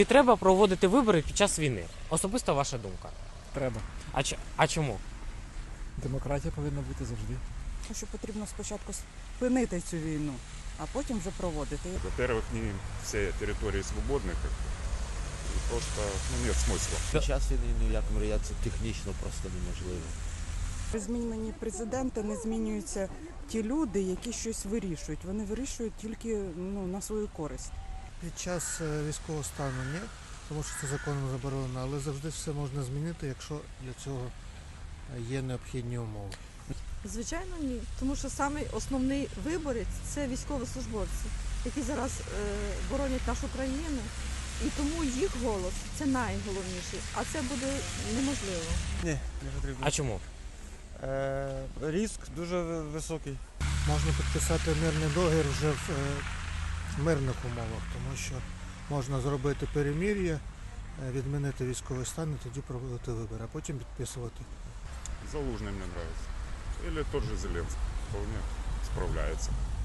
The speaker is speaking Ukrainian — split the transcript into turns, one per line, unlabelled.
Чи треба проводити вибори під час війни? Особисто ваша думка.
Треба.
А чому?
Демократія повинна бути завжди.
Що потрібно спочатку спинити цю війну, а потім вже проводити.
Во-первых, не все территории свободны, и просто нет смысла.
Під час війни ні в якому разі це технічно просто неможливо.
При зміні президента не змінюються ті люди, які щось вирішують. Вони вирішують тільки на свою користь.
Під час військового стану ні, тому що це законом заборонено, але завжди все можна змінити, якщо для цього є необхідні умови.
Звичайно, ні. Тому що самий основний виборець – це військовослужбовці, які зараз боронять нашу країну. І тому їх голос – це найголовніший, а це буде неможливо.
Ні, не потрібно.
А чому?
Ризик дуже високий.
Можна підписати мирний договір вже в мирних умовах, тому що можна зробити перемир'я, відмінити військовий стан і тоді проводити вибори, а потім підписувати.
Залужный мне нравится. Или тот же Зеленский. Вполне справляется.